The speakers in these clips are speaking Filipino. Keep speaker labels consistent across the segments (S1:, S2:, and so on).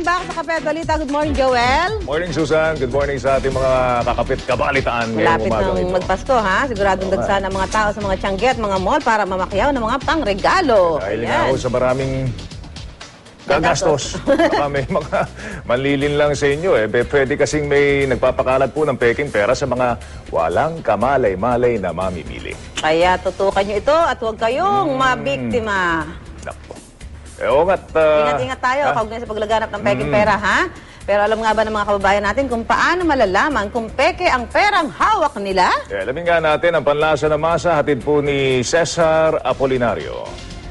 S1: back sa Kape at Balita. Good morning, Joel.
S2: Morning, Susan. Good morning sa ating mga kakapit kabalitaan ngayong
S1: Malapit
S2: umagang
S1: ng
S2: ito.
S1: magpasko, ha? Siguradong dagsa ng mga tao sa mga tiyangge at mga mall para mamakyaw ng mga pangregalo.
S2: Dahil nga ako sa maraming gagastos. Baka may mga manlilin lang sa inyo. Pwede kasing may nagpapakalat po ng peking pera sa mga walang kamalay-malay na mamimili.
S1: Kaya tutukan nyo ito at huwag kayong mabiktima.
S2: Nako. At
S1: Ingat-ingat tayo kaugnay sa paglaganap ng peking pera, ha? Pero alam nga ba ng mga kababayan natin kung paano malalaman kung peke ang perang hawak nila?
S2: alamin nga natin ang panlasa ng masa, hatid po ni Cesar Apolinario.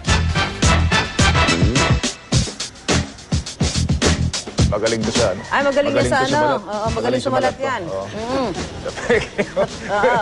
S2: Magaling to sa ano?
S1: Ay, magaling yan sa
S2: to
S1: ano?
S2: sumalat.
S1: Oo, magaling sumalat
S2: to.
S1: yan.
S2: Oo.
S1: Mm.
S2: Sa peke.
S1: Oo.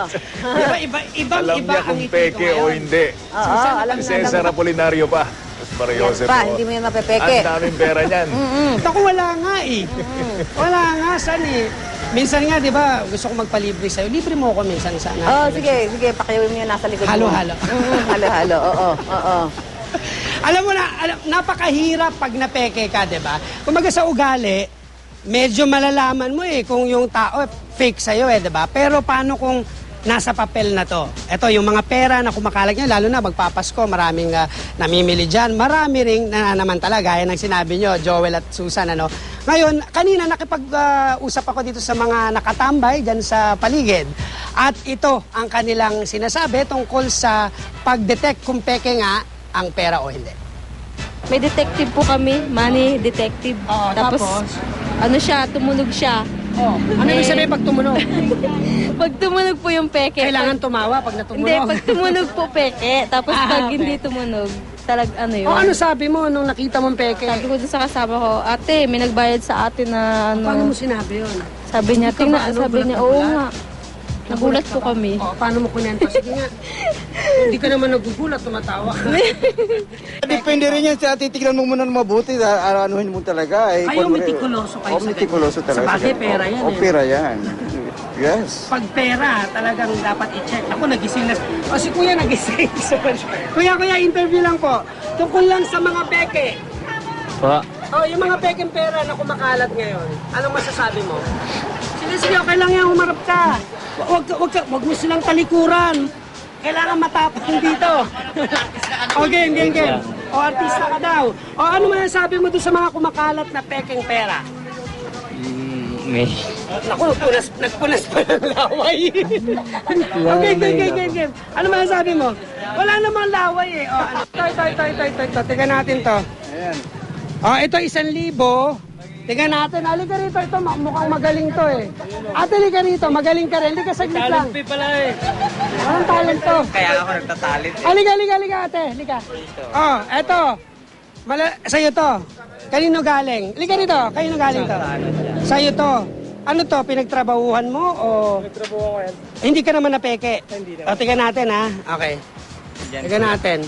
S2: Alam niya kung peke o hindi.
S1: Oo, alam
S2: Si
S1: na.
S2: Cesar Apolinario pa. Tapos Maria
S1: Yan
S2: Jose
S1: pa,
S2: po.
S1: hindi mo yan mapepeke.
S2: Ang daming pera niyan.
S3: Ako wala nga eh. Wala nga, saan eh. Minsan nga, di ba, gusto ko magpalibre sa'yo. Libre mo ako minsan sana.
S1: Oh, sige, pakiawin mo yan nasa likod mo.
S3: Halo-halo.
S1: Halo-halo, oo.
S3: Alam mo na, napakahirap pag napeke ka, di ba? Kumaga sa ugali, medyo malalaman mo eh kung yung tao fake sa'yo eh, di ba? Pero paano kung nasa papel na to? Ito, yung mga pera na kumakalat niya, lalo na magpapasko, maraming namimili dyan. Marami ring nananamantala, gaya ng sinabi nyo, Joel at Susan, ano? Ngayon, kanina nakipag-usap ako dito sa mga nakatambay dyan sa paligid. At ito ang kanilang sinasabi tungkol sa pag-detect kung peke nga ang pera o hindi.
S4: May detective po kami, money detective.
S3: Oo, tapos?
S4: Ano siya, tumunog siya.
S3: Oh, ano ibig sabihin pag tumunog?
S4: Pag tumunog po yung peke.
S3: Kailangan tumawa pag natumunog.
S4: Hindi, pag tumunog po peke. Tapos pag
S3: okay.
S4: hindi tumunog, ano yun.
S3: O ano sabi mo nung nakita mong peke?
S4: Sabi ko dun sa kasama ko, ate, may nagbayad sa atin na ano.
S3: Paano mo sinabi yun?
S4: Sabi niya,
S3: Hindi ka ba,
S4: tingnan, sabi
S3: gulat
S4: niya,
S3: na
S4: oo
S3: gulat?
S4: nga. Nagulat po kami.
S3: O, paano mo kunento? Sige nga. Hindi ka naman nagugulat, tumatawa ka.
S5: Depende rin yan sa titignan mo muna ng mabuti, anuhin mo talaga.
S3: Kayo metikuloso kayo sa
S5: metikuloso
S3: ganyan.
S5: talaga.
S3: Sa bagay, pera yan eh.
S5: Pera yan. Yes.
S3: Pag pera, talagang dapat i-check. Ako nagising na. O si Kuya nagising. Kuya, interview lang po. Tungkol lang sa mga peke.
S5: Pa.
S3: O, yung mga pekeng pera na kumakalat ngayon, anong masasabi mo? Sige, okay lang yan, humarap ka. Wag mo silang talikuran. Kailangan matapang dito. Okay, game. O, artista ka daw. O, ano masasabi mo doon sa mga kumakalat na pekeng pera?
S5: May.
S3: Naku, nagpunas pa ng laway. Okay, game. Ano masasabi mo? Wala namang laway eh. O, ano? Ito. Tingnan natin to.
S5: Ayan.
S3: O, ito 1,000. Tingnan natin. Halika rito. Ito, mukhang magaling to eh. Ate, halika rito. Magaling ka rin. Halika saglit lang.
S5: Talent pala eh.
S3: Anong talent to?
S5: Kaya ako nagtatalit eh.
S3: Halika, ate. Halika. Oh, eto. Sa'yo to. Kanino galing? Halika rito. Kanino galing to? Sa'yo to. Ano to? Pinagtrabahuhan mo o...
S5: Nagtrabaho ko yan.
S3: Hindi ka naman napeke?
S5: Hindi naman.
S3: O, tingnan natin ha. Okay. Tingnan natin.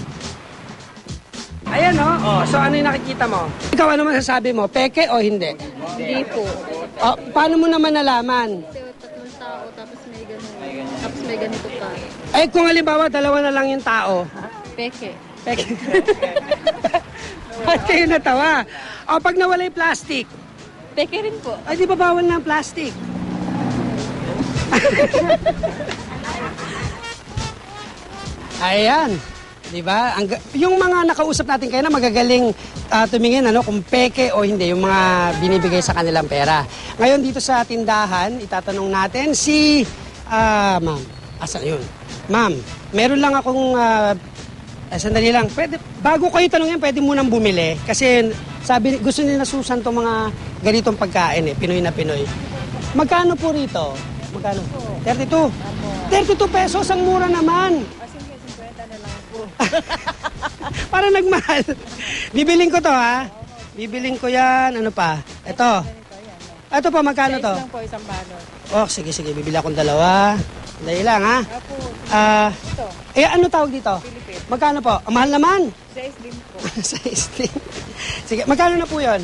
S3: Ayan o. So ano yung nakikita mo? Ikaw ano masasabi mo? Peke o hindi?
S4: Hindi po.
S3: O, paano mo naman nalaman?
S4: Tatlong tao, tapos may ganun. Tapos may ganito pa.
S3: Eh kung halimbawa dalawa na lang yung tao.
S4: Peke.
S3: Peke. Ba't kayo natawa? O pag nawala yung plastic,
S4: Peke rin po.
S3: ay di ba bawal na ang plastic? Ayan. Di ba? Yung mga nakausap natin kayo na magagaling tumingin kung peke o hindi, yung mga binibigay sa kanilang pera. Ngayon dito sa tindahan, itatanong natin si ma'am. Asan yun? Ma'am, meron lang akong sandali lang. Bago kayo tanongin, pwede munang bumili. Kasi sabi, gusto nila Susan itong mga ganitong pagkain Pinoy na Pinoy. Magkano po rito? Magkano? 32. 32 pesos, ang mura naman. Para nagmahal. Bibiling ko to ha. Bibiling ko yan. Ano pa? Ito. Ito pa, magkano to?
S4: Lang po, isang balot.
S3: Oh, sige. Bibili akong dalawa. Dahil lang ha. Ano tawag dito?
S4: Pilipit.
S3: Magkano po? Mahal naman.
S4: 6 din po.
S3: 6 din. Sige, magkano na po yun?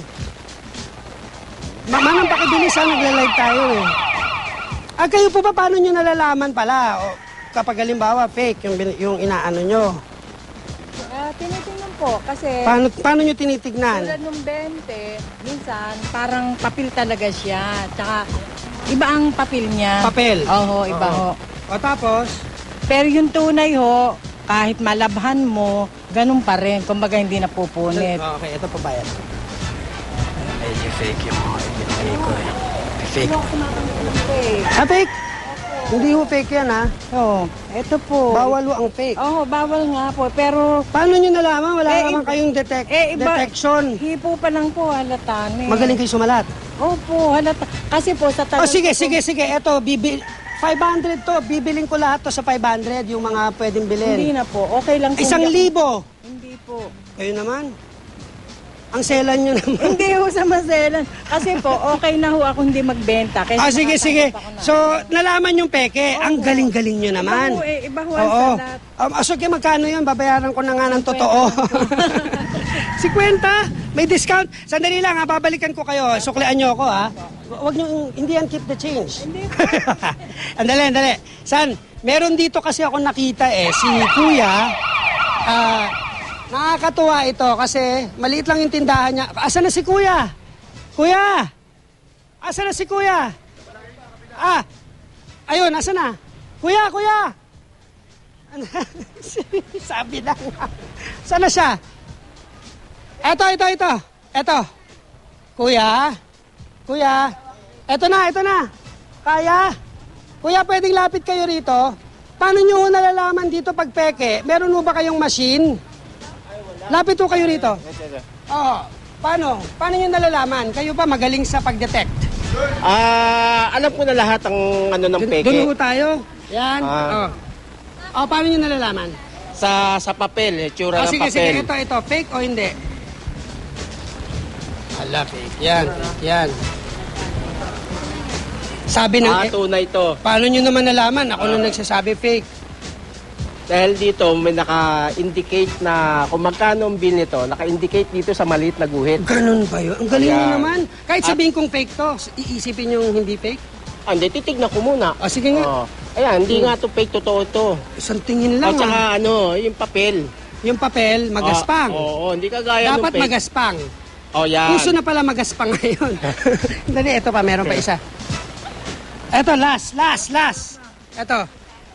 S3: Manang pakibilis ha, nagla-live tayo kayo po ba paano nyo nalalaman pala? O, kapag halimbawa fake yung inaano nyo?
S6: tinitingnan po kasi
S3: Paano nyo tinitignan?
S6: tulad nung 20, minsan parang papel talaga siya. Tsaka iba ang papel niya.
S3: Papel?
S6: Oo, iba ho.
S3: O tapos,
S6: Pero yung tunay ho, kahit malabhan mo, ganun pa rin. Kumbaga hindi napupunit.
S3: okay, ito pa bayad.
S7: Medyo fake yung mga pinigay ko eh. Fake.
S3: Fake? Hindi ho fake yan, ha?
S6: Oo, eto po.
S3: Bawal ho ang fake.
S6: Oo, bawal nga po. Pero
S3: Paano nyo nalaman? Wala
S6: Eh,
S3: naman kayong detection.
S6: hipo pa lang po halata na eh.
S3: Magaling kayo sumalat.
S6: Opo, halata. Kasi po sa tagal
S3: Sige.
S6: ko po-
S3: Ito, 500 to. Bibiling ko lahat to sa 500, yung mga pwedeng bilhin.
S6: Hindi na po. Okay lang po.
S3: 1,000.
S6: Hindi po.
S3: Kayo naman. Ang selan nyo naman.
S6: Hindi ho sa maselan. Kasi po, okay na ho ako hindi magbenta. Kaysa
S3: Sige.
S6: nakatanggap ako na.
S3: So, nalaman yung peke. Ang galing-galing nyo naman.
S6: Iba ho iba ho ang
S3: Oo.
S6: salat.
S3: Sige, magkano yun? Babayaran ko na nga ng totoo. 50? May discount? Sandali lang, ha? Babalikan ko kayo. Suklian nyo ako, ha? Huwag nyo, hindi yan keep the change. Andali. San, meron dito kasi ako nakita si Kuya. Nakakatuwa ito kasi maliit lang yung tindahan niya. Asan na si Kuya? Kuya! Asan na si Kuya? Ayun, asan na? Kuya! Sabi na nga. Saan na siya? Eto. Kuya? Eto na. Kaya? Kuya, pwedeng lapit kayo rito? Paano nyo nalalaman dito pag peke? Meron mo ba kayong machine? Lapit po kayo rito. Oo. Paano? Paano nyo nalalaman? Kayo ba magaling sa pag-detect?
S8: Alam ko na lahat ang ano ng peke.
S3: Doon po tayo. Yan. Paano nyo nalalaman?
S8: Sa papel, tsura ng
S3: Sige.
S8: papel.
S3: Ito. Fake o hindi? Hala, fake. Yan. Sabi ng...
S8: Tunay to.
S3: Paano nyo naman nalaman? Ako nung nagsasabi fake.
S8: Dahil dito may naka-indicate na kung magkano ang bill nito, naka-indicate dito sa maliit na guhit.
S3: Ganun ba yun? Ang galing nyo
S8: Ayan.
S3: naman. Kahit sabihin kong fake to, iisipin yung hindi fake?
S8: Hindi, titignan ko muna.
S3: Sige nga.
S8: Ayan, hindi nga to fake, totoo to.
S3: Isang tingin lang.
S8: At saka yung papel.
S3: Yung papel, magaspang.
S8: Oo, hindi kagaya
S3: Dapat
S8: ng fake.
S3: magaspang.
S8: Yan.
S3: Puso na pala magaspang ngayon. Dali, ito pa, meron pa isa. Ito, last. Ito.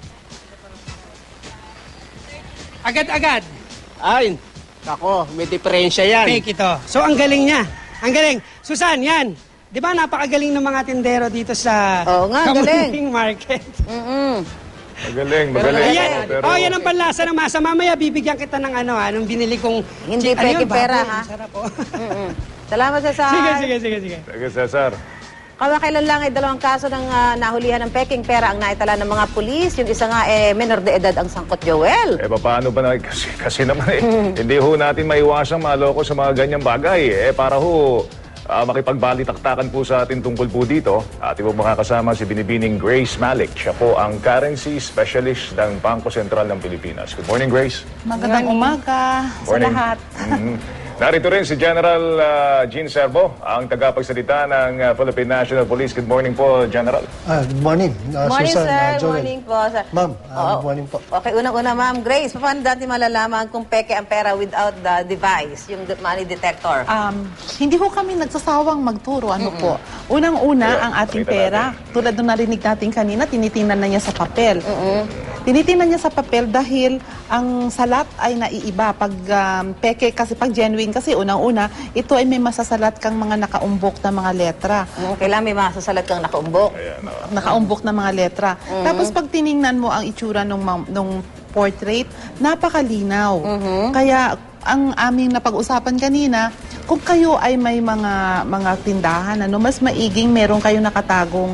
S3: Agad-agad.
S8: Ay, ako, may diferensya yan.
S3: Fake ito. So, ang galing niya. Ang galing. Susan, yan. Di ba napakagaling ng mga tindero dito sa
S1: Oo nga,
S3: Kamuning Market?
S2: Magaling.
S3: Ayan. Yan ang panlasa ng masa. Mamaya bibigyan kita ng nung binili kong...
S1: Hindi
S3: Ano
S1: peke
S3: yun,
S1: pera,
S3: baboy.
S1: ha?
S3: Ang sarap, oh.
S1: Salamat, Cesar.
S3: Sige.
S2: Sige, Cesar.
S1: Kamakailan lang ay 2 kaso ng nahulihan ng peking pera ang naitala ng mga pulis. Yung isa nga menor de edad ang sangkot, Joel.
S2: Paano ba na? Kasi naman hindi ho natin maiwasang maloko sa mga ganyang bagay. Para ho makipagbalitaktakan po sa atin tungkol po dito. Ating po makakasama si Binibining Grace Malik. Siya po ang currency specialist ng Bangko Sentral ng Pilipinas. Good morning, Grace.
S9: Magandang umaga sa
S2: Morning.
S9: lahat.
S2: Narito rin si General Jean Servo, ang tagapagsalita ng Philippine National Police. Good morning po, General.
S10: Good morning.
S1: Morning,
S10: Susan,
S1: sir.
S10: Joel.
S1: Morning po, sir.
S10: Ma'am,
S1: Oo.
S10: good morning po.
S1: Okay, unang-una, Ma'am Grace, paano natin malalaman kung peke ang pera without the device, yung money detector?
S9: Hindi ko kami nagsasawang magturo. Ano po? Unang-una,
S2: Yeah,
S9: ang ating
S2: pakita
S9: pera, tulad nung narinig natin kanina, tinitingnan na niya sa papel. Tinitingnan niya sa papel dahil ang salat ay naiiba. Pag peke, kasi pag genuine, kasi unang-una, ito ay may masasalat kang mga nakaumbok na mga letra.
S1: Kailangan may masasalat kang nakaumbok.
S9: Nakaumbok na mga letra. Tapos pag tiningnan mo ang itsura nung portrait, napakalinaw. Kaya ang aming napag-usapan kanina, kung kayo ay may mga tindahan, mas maiging meron kayong nakatagong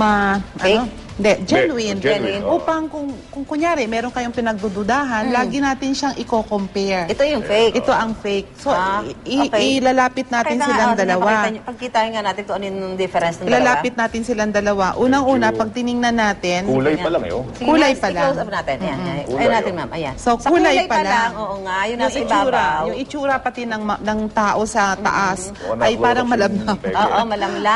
S9: genuine.
S2: Genuine, oo.
S9: Upang kung kunyari, meron kayong pinagdududahan, lagi natin siyang i-compare.
S1: Ito yung fake.
S9: Ito ang fake. So,
S1: okay.
S9: ilalapit natin silang dalawa.
S1: Pagkitain nga natin kung ano yung difference ng dalawa.
S9: Ilalapit natin silang dalawa. Unang-una, pag tiningnan natin,
S2: Kulay pa lang
S1: Sige,
S9: kulay
S1: ma'am,
S9: pa lang.
S1: i-close up natin. Ayan.
S2: Kulay,
S1: Ayun natin,
S2: oh.
S1: ma'am. Ayan.
S9: So,
S1: Sa
S9: kulay pa lang.
S1: Oo nga, yun
S9: yung
S1: nasa
S9: itsura,
S1: ibabaw.
S9: yung itsura pati ng tao sa taas
S2: Oo,
S9: ay parang
S2: nakuha ko
S9: malabnab.
S2: yung peke.
S1: Oo, malamlam.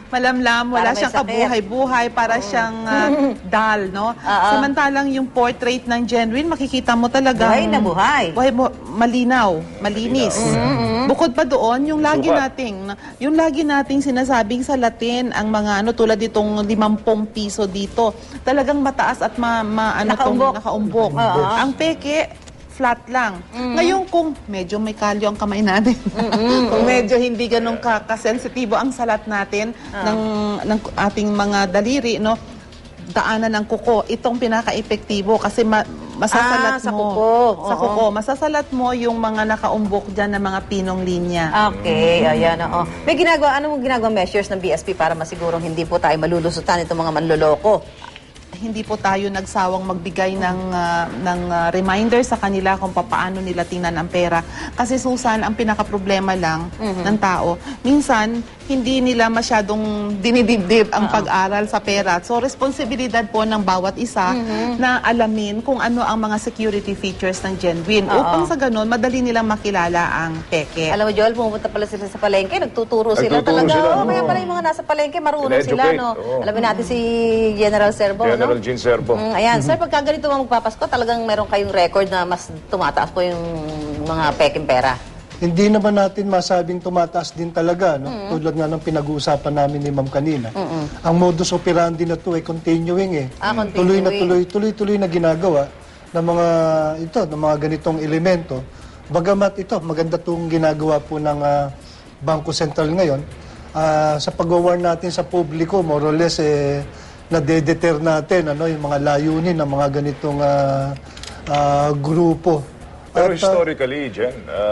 S9: malamlam,
S1: Para
S9: wala
S1: may
S9: siyang
S1: sakit.
S9: kabuhay-buhay, para siyang dull, no? Samantalang yung portrait ng genuine, makikita mo talaga.
S1: Buhay na buhay.
S9: Buhay mo, malinaw, malinis. Bukod pa doon, yung lagi nating sinasabing sa Latin, ang mga tulad itong 50 piso dito, talagang mataas at nakaumbok. Ang peke, flat lang. Ngayon kung medyo may kalyo ang kamay natin, kung medyo hindi ganun kasensitibo ang salat natin ng ating mga daliri, no? Daanan ng kuko, itong pinaka-epektibo kasi masasalat
S1: sa
S9: mo.
S1: kuko.
S9: Sa kuko. Masasalat mo yung mga nakaumbok dyan na mga pinong linya.
S1: Okay, ayan, oo. Ano mong ginagawa measures ng BSP para masigurong hindi po tayo malulusutan itong mga manloloko?
S9: Hindi po tayo nagsawang magbigay ng reminder sa kanila kung paano nila tingnan ang pera. Kasi Susan, ang pinaka-problema lang ng tao, minsan hindi nila masyadong dinidibdib ang pag-aral sa pera. So, responsibilidad po ng bawat isa na alamin kung ano ang mga security features ng genuine. Upang sa ganun, madali nilang makilala ang peke.
S1: Alam mo, Joel, pumunta pala sila sa palengke, nagtuturo sila talaga.
S2: Sila,
S1: Kaya pala yung mga nasa palengke, marunong sila, no? Alamin natin si General Serbo, no?
S2: General Jean Serbo.
S1: Ayan, sir, pagka ganito mga magpapasko, talagang meron kayong record na mas tumataas po yung mga peking pera.
S10: Hindi naman natin masabing tumataas din talaga, no? Tulad nga ng pinag-uusapan namin ni Ma'am kanina. Ang modus operandi na to ay continuing eh.
S1: Continuing.
S10: Tuloy na ginagawa ng mga ganitong elemento. Bagamat ito, maganda itong ginagawa po ng Bangko Sentral ngayon. Sa pag-warn natin sa publiko, more or less, nade-deter natin yung mga layunin ng mga ganitong grupo.
S2: Pero historically, Jen,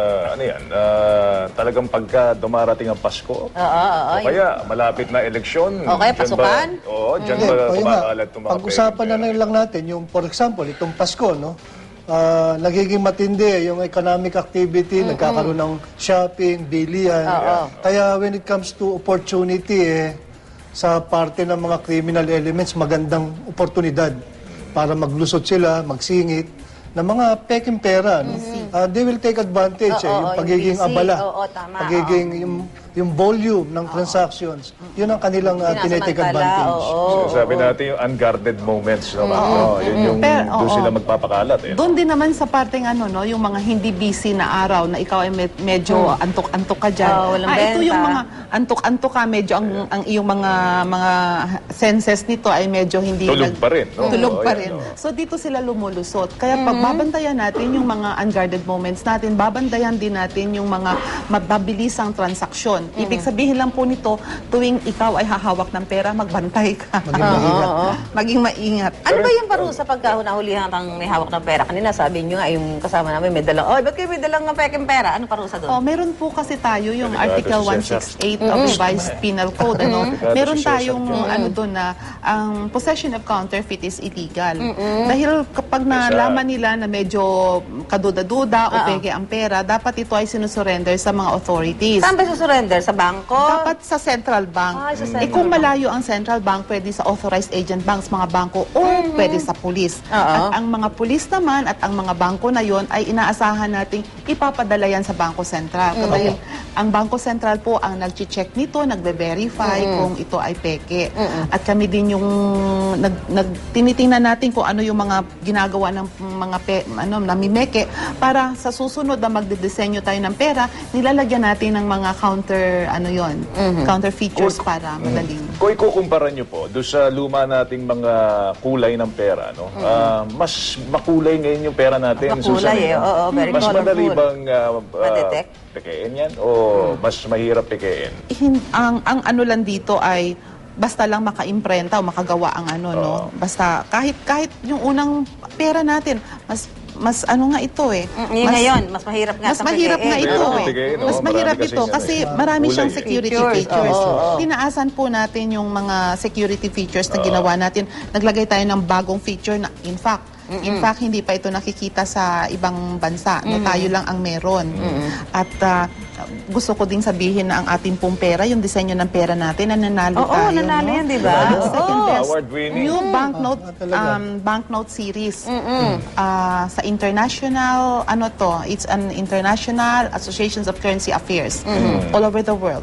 S2: talagang pagka dumarating ang Pasko, o kaya malapit na eleksyon,
S1: o kaya pasukan?
S2: Dyan ba kumakalat itong mga
S10: pag-usapan na lang natin, yung for example, itong Pasko, no? Nagiging matindi yung economic activity, nagkakaroon ng shopping, bilihan. Kaya when it comes to opportunity, sa parte ng mga criminal elements, magandang oportunidad para maglusot sila, magsingit ng mga peking pera. No? They will take advantage. Yung pagiging abala, pagiging yung volume ng transactions, yun ang kanilang tinitake advantage.
S2: So, sabi natin yung unguarded moments naman. Yun yung doon sila magpapakalat.
S9: Doon din naman sa parteng yung mga hindi busy na araw na ikaw ay medyo antok-antok ka dyan. Ito yung mga antok-antok ka, medyo ang iyong mga senses nito ay medyo hindi
S2: tulog pa rin. No?
S9: Tulog pa rin. So dito sila lumulusot. Kaya pag babantayan natin yung mga unguarded moments natin, babantayan din natin yung mga mababilisang transaksyon. Ibig sabihin lang po nito, tuwing ikaw ay hahawak ng pera, magbantay ka. Maging maingat.
S1: Ano ba yung parusa pagka nahulihan kang may hawak ng pera? Kanina sabi nyo nga, yung kasama namin may dalang, ba't kayo may dalang peking pera? Ano parusa doon?
S9: Meron po kasi tayo yung Article 168 of Revised Penal Code. Meron tayong doon na ang possession of counterfeit is illegal. Dahil kapag nalaman nila na medyo kaduda-duda o peke ang pera, dapat ito ay sinusurrender sa mga authorities.
S1: Saan ba susurrender? Sa bangko?
S9: Dapat sa central bank. Kung malayo ang central bank, pwede sa authorized agent banks, mga bangko, o pwede sa pulis. At ang mga pulis naman at ang mga bangko na yon ay inaasahan nating ipapadala yan sa Bangko Sentral. Dahil ang Bangko Sentral po ang nag-check nito, nagbe-verify kung ito ay peke. At kami din yung tinitingnan natin kung ano yung mga ginagawa ng mga namimeke para sa susunod na magdidisenyo tayo ng pera, nilalagyan natin ng mga counter features para madaling.
S2: Kung ikukumpara nyo po, doon sa luma nating mga kulay ng pera, no? Mas makulay ngayon yung pera natin.
S1: Makulay very
S2: mas
S1: colorful.
S2: madali bang
S1: ma-detect?
S2: Pekein yan? O mas mahirap pekein?
S9: Ang ano lang dito ay basta lang maka-imprenta o makagawa ang no? Basta kahit yung unang pera natin, mas nga ito
S1: Ngayon, mas mahirap nga.
S9: Mas mahirap nga ito Mas mahirap ito kasi marami siyang security features. Tinaasan po natin yung mga security features na ginawa natin. Naglagay tayo ng bagong feature na in fact, hindi pa ito nakikita sa ibang bansa. Tayo lang ang meron. At gusto ko ding sabihin na ang ating pong pera, yung disenyo ng pera natin, nanalo tayo.
S1: Nanalo yan, di ba?
S9: Second best.
S2: Award-winning.
S9: New banknote series. Sa international, it's an international associations of currency affairs all over the world.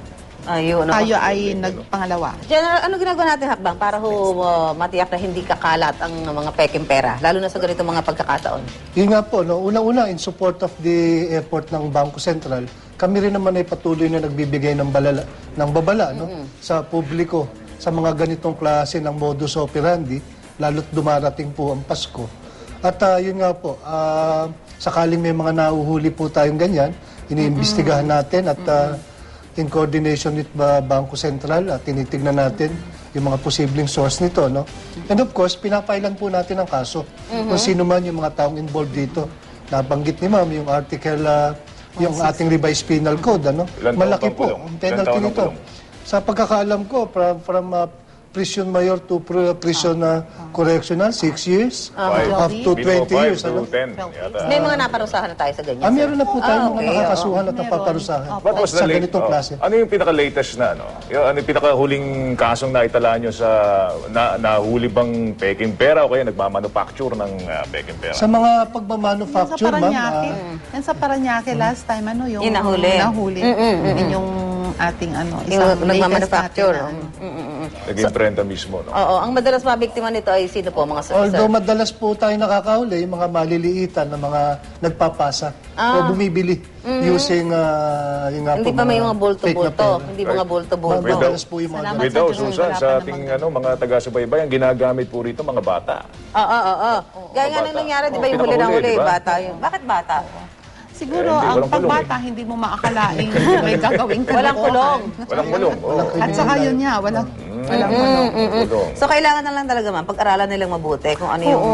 S1: Ayun, no?
S9: tayo ay nagpangalawa.
S1: General, ano ginagawa natin hakbang para matiyak na hindi kakalat ang mga peking pera, lalo na sa ganito mga pagkakataon?
S10: Yun nga po, no? Una-una, in support of the effort ng Bangko Sentral, kami rin naman ay patuloy na nagbibigay ng babala no? Sa publiko, sa mga ganitong klase ng modus operandi, lalo't dumarating po ang Pasko. At yun nga po, sakaling may mga nahuhuli po tayong ganyan, iniimbestigahan natin at in coordination with Bangko Sentral, tinitignan natin yung mga posibleng source nito. No? And of course, pinapailan po natin ang kaso kung sino man yung mga taong involved dito. Nabanggit ni Ma'am yung article, yung ating revised penal code. Ano?
S2: Ilan taon
S10: Malaki
S2: bang
S10: po
S2: kulong?
S10: ang
S2: Ilan
S10: penalty
S2: taon ang
S10: nito.
S2: kulong?
S10: Sa pagkakaalam ko, from prison mayor to prison correctional, 6 years, up to 20 years.
S2: to
S10: Ano?
S2: 10. Yata.
S1: May mga naparusahan na tayo sa ganyan, sir?
S10: Meron na po tayong mga
S1: okay,
S10: nakakasuhan at napaparusahan
S2: What was the
S10: sa ganitong klase.
S2: Ano yung pinaka-latest na ano? Ano yung pinaka-huling kasong naitala nyo sa nahuli bang peking pera o kaya nagmamanufacture ng peking pera?
S10: Sa mga
S9: Yan sa
S10: pagmamanufacture, ma'am,
S9: Paranaque. Yan sa Paranaque last time, ano yung
S1: Yung nahuli.
S9: Yun yung ating
S1: Yung
S9: isang
S1: nagmamanufacture.
S9: latest natin na,
S2: Naging prenta mismo, no?
S1: Oo, ang madalas mabiktima nito ay sino po, mga sir?
S10: although madalas po tayo nakakahuli, yung mga maliliitan na mga nagpapasa o bumibili using yung nga
S1: Hindi
S10: po,
S1: pa may mga
S10: fake na
S1: bulto-bulto.
S10: pera.
S1: Hindi mga bulto-bulto.
S10: Madalas po yung mga
S9: Salamat.
S2: With those,
S9: Sa Diyos,
S2: Susan,
S9: wala
S2: sa
S9: pa
S2: ating
S9: namang
S2: mga taga-subaybay, ang ginagamit po rito mga bata.
S1: Oo. Gaya nga
S2: Bata.
S1: nang nangyari, di ba yung huli na
S2: Pinakahuli,
S1: huli,
S2: di ba?
S1: bata yun. Bakit bata?
S9: Siguro,
S2: hindi,
S9: ang
S2: walang kulong
S9: pagbata, hindi mo maakalaing may gagawing
S1: Walang kulong.
S2: Walang mulong. Oh.
S9: At saka yun niya, walang kulong.
S2: Kulong.
S1: So, kailangan na lang talaga, ma'am, pag-aralan nilang mabuti kung ano yung...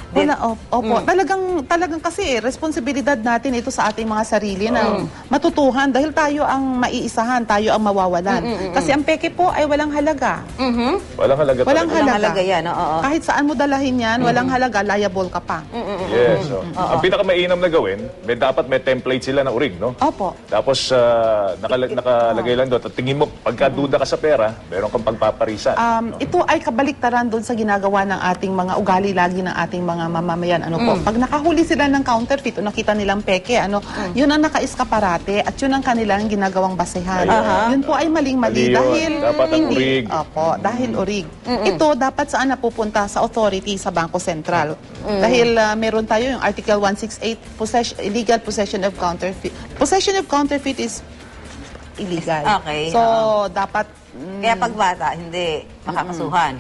S9: Opo. Talagang kasi responsibilidad natin ito sa ating mga sarili na matutuhan dahil tayo ang maiisahan, tayo ang mawawalan. Kasi ang peke po ay walang halaga.
S2: Walang halaga
S9: Walang
S2: talaga.
S1: halaga yan, oo.
S9: Kahit saan mo dalahin yan, walang halaga, liable ka pa.
S2: Yes. So, ang pinakamainam na gawin, dapat may template sila na urig, no?
S9: Opo.
S2: Tapos nakalagay lang doon. At tingin mo, pagkaduda ka sa pera, meron kang pagpaparisan.
S9: Ito ay kabaliktaran doon sa ginagawa ng ating mga ugali lagi ng ating mga mamamayan. Pag nakahuli sila ng counterfeit o nakita nilang peke, yun ang naka-eskaparate at yun ang kanilang ginagawang basehan. Yun po ay maling-mali
S2: Mali yun.
S9: dahil
S2: Dapat ang urig.
S9: Opo, dahil urig. Ito dapat saan napupunta sa authority sa Bangko Sentral. Dahil meron tayo yung Article 168, illegal possession of counterfeit. Possession of counterfeit is illegal.
S1: Okay,
S9: So, dapat
S1: Kaya pag bata, hindi makakasuhan.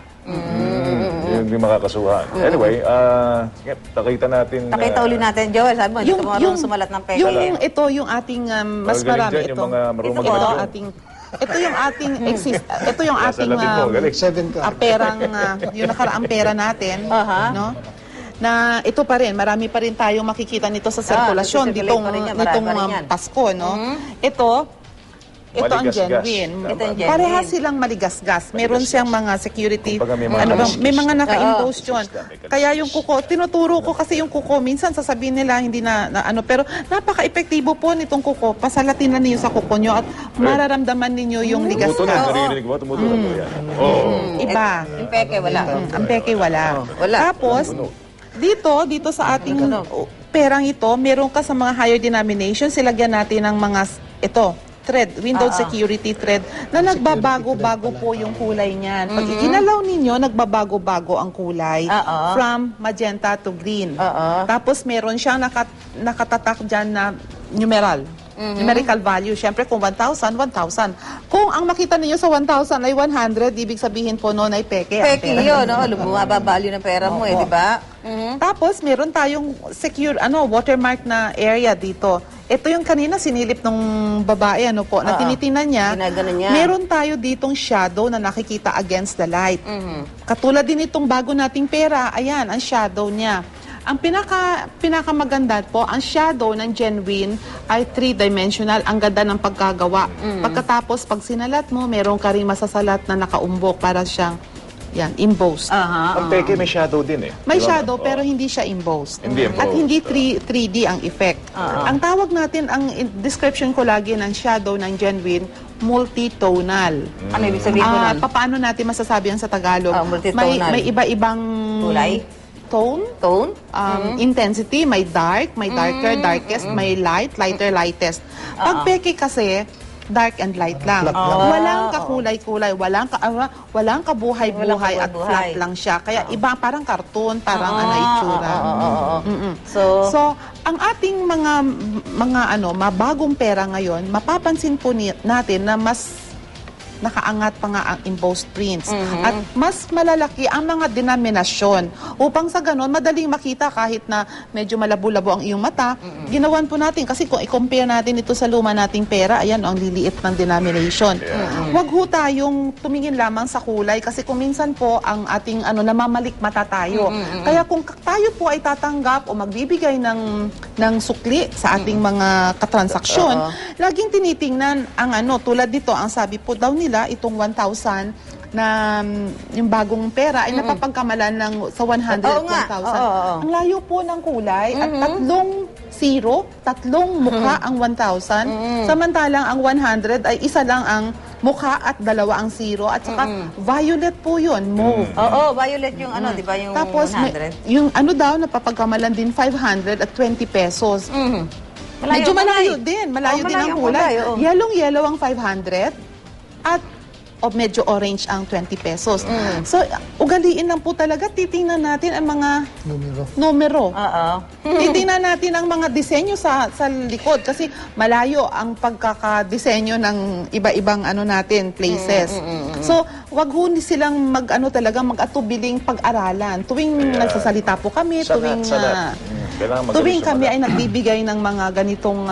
S2: Hindi makakasuhan. Anyway, nakita natin...
S1: Nakita uli natin, Joel, sabi mo, hindi ka marunong sumalat ng peke.
S9: Ito yung ating mas
S2: Magaling
S9: marami
S2: dyan,
S9: ito.
S2: yung mga marunong
S9: Ito
S2: magaling.
S9: ito yung ating ito yung
S2: Nasa
S9: ating
S2: labing mo, galing.
S10: 7 ka.
S9: perang yung nakaraang pera natin, no? Na ito pa rin, marami pa rin tayong makikita nito sa sirkulasyon
S1: nagsi-circulate pa rin yan, marami
S9: nitong
S1: pa rin yan.
S9: Pasko, no? Ito ang
S2: Maligasgas.
S9: genuine.
S1: Ito ang genuine.
S9: Parehas silang maligasgas. Meron siyang mga security,
S2: Kumbaga may mga
S9: may mga naka-impose yun.
S2: System.
S9: Kaya yung kuko, tinuturo ko kasi yung kuko, minsan sasabihin nila hindi na pero napaka-epektibo po nitong kuko. Pasalatin na niyo sa kuko nyo at mararamdaman ninyo yung
S2: Tumutunog,
S9: ligasgas.
S2: naririnig mo, tumutunog mo yan. Oo.
S9: Iba.
S1: Yung peke, wala.
S9: Ang peke wala.
S1: Wala.
S9: Tapos, dito sa ating perang ito, meron ka sa mga higher denominations, silagyan natin ng mga, thread, window security thread, na nagbabago-bago po yung kulay niyan. Pag iginalaw ninyo, nagbabago-bago ang kulay from magenta to green. Tapos meron siyang nakatatak dyan na numeral. Numerical value. Siyempre, kung 1,000, 1,000. Kung ang makita niyo sa 1,000 ay 100, ibig sabihin po noon ay peke. ang
S1: Peke
S9: pera.
S1: yun, no? Bumaba value ng pera mo, di ba?
S9: Tapos, meron tayong secure, watermark na area dito. Ito yung kanina sinilip ng babae, na tinitingnan niya.
S1: Ginaganon niya.
S9: Meron tayo ditong shadow na nakikita against the light. Katulad din itong bago nating pera, ayan, ang shadow niya. Ang pinakamaganda po, ang shadow ng genuine ay 3-dimensional. Ang ganda ng pagkagawa. Pagkatapos, pag sinalat mo, meron ka rin masasalat na nakaumbok para siyang embossed.
S2: Ang peke may shadow din eh.
S9: May
S2: Di ba?
S9: shadow pero hindi siya embossed.
S2: Hindi embossed.
S9: At hindi 3D ang effect. Ang tawag natin, ang description ko lagi ng shadow ng genuine, multitonal.
S1: Ano ibig sabihin ko nun?
S9: Paano natin masasabi yan sa Tagalog?
S1: Multitonal.
S9: May iba-ibang
S1: Kulay?
S9: tone,
S1: Tone?
S9: intensity, may dark, may darker, darkest, may light, lighter, lightest. Pag peke kasi, dark and light lang.
S10: Flat lang.
S9: Walang kakulay-kulay, walang kabuhay-buhay at
S1: kabuhay-buhay.
S9: flat lang siya. Kaya iba parang karton, parang itsura. So, ang ating mga mabagong pera ngayon, mapapansin po natin na mas nakaangat pa nga ang embossed prints. At mas malalaki ang mga denominasyon. Upang sa ganon, madaling makita kahit na medyo malabo-labo ang iyong mata, ginawan po natin. Kasi kung i-compare natin ito sa luma nating pera, ayan, ang liliit ng denomination. Huwag ho tayong tumingin lamang sa kulay kasi kung minsan po ang ating namamalikmata tayo. Kaya kung tayo po ay tatanggap o magbibigay ng sukli sa ating mga katransaksyon, laging tinitingnan ang tulad dito, ang sabi po daw nila, itong 1,000 na yung bagong pera ay napapagkamalan sa 100 at 1,000. Ang layo po ng kulay at tatlong mukha ang 1,000. Samantalang ang 100 ay isa lang ang mukha at dalawa ang zero. At saka violet po yun, mauve.
S1: Oo, violet yung di ba yung
S9: Tapos
S1: 100?
S9: yung daw napapagkamalan din 500 at 20 pesos. Medyo malayo din. Malayo din ang kulay. Yellow ang 500 at medyo orange ang 20 pesos. So, ugaliin lang po talaga. Titingnan natin ang mga numero. Titingnan natin ang mga disenyo sa likod kasi malayo ang pagkakadisenyo ng iba-ibang natin, places. So, wag ho silang mag-atubiling pag-aralan. Tuwing nagsasalita po kami, tuwing kami ay nagbibigay ng mga ganitong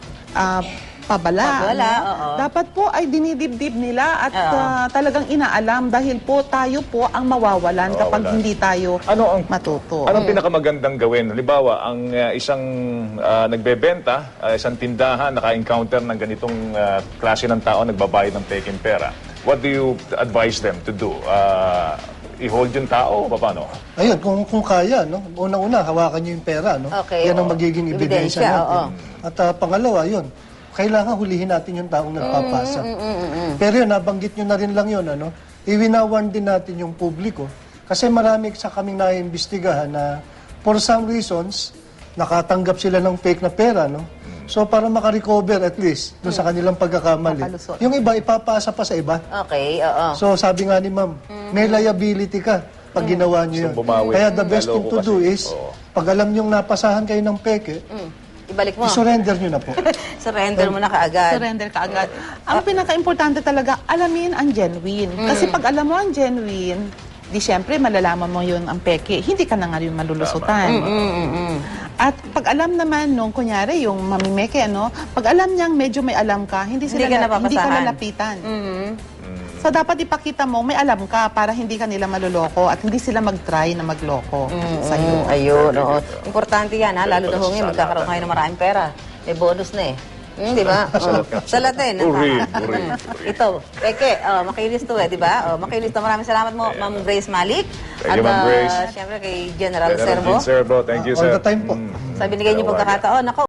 S9: pabala. Dapat po ay dinidibdib nila at talagang inaalam dahil po tayo po ang mawawalan kapag hindi tayo matuto.
S2: Anong pinakamagandang gawin? Halimbawa, ang isang nagbebenta, isang tindahan, naka-encounter ng ganitong klase ng tao, nagbabayad ng peking pera. What do you advise them to do? I-hold yung tao o paano?
S10: Ayun, kung kaya, no? Una-una, hawakan niyo yung pera, no?
S1: Okay,
S10: Yan ang magiging ebidensya natin. At pangalawa, yun, kailangan hulihin natin yung taong nagpapasa. Pero yun, nabanggit nyo na rin lang yun, iwinawarn din natin yung publiko. Kasi marami sa kaming naiimbestigahan na for some reasons, nakatanggap sila ng fake na pera, no? So, para makarecover at least doon sa kanilang pagkakamali. Yung iba, ipapasa pa sa iba.
S1: Okay,
S10: So, sabi nga ni ma'am, may liability ka pag ginawa nyo yun. Kaya the best thing to do is, pag alam nyong napasahan kayo ng peke,
S1: ibalik mo.
S10: I-surrender nyo na po.
S1: Surrender mo na kaagad.
S9: Surrender kaagad. Ang pinaka-importante talaga, alamin ang genuine. Kasi pag alam mo ang genuine, di syempre malalaman mo yun ang peke. Hindi ka na nga yung malulusutan. At pag alam naman nung, kunyari, yung mamimeke, pag alam niyang medyo may alam ka, hindi ka lalapitan. So, dapat ipakita mo, may alam ka para hindi ka nila maluloko at hindi sila mag-try na magloko sa'yo.
S1: Ayun, importante yan, lalo na ngayon, magkakaroon kayo ng maraming pera. May bonus na di ba? Salatin. Ito, peke, makinis to di ba? Makinis to. Maraming salamat mo, Ma'am Grace Malik.
S2: Thank you, Ma'am Grace.
S1: Siyempre kay General Servo.
S2: Thank you, sir.
S10: All the time po.
S1: Sa binigay niyo pagkakataon. Ako,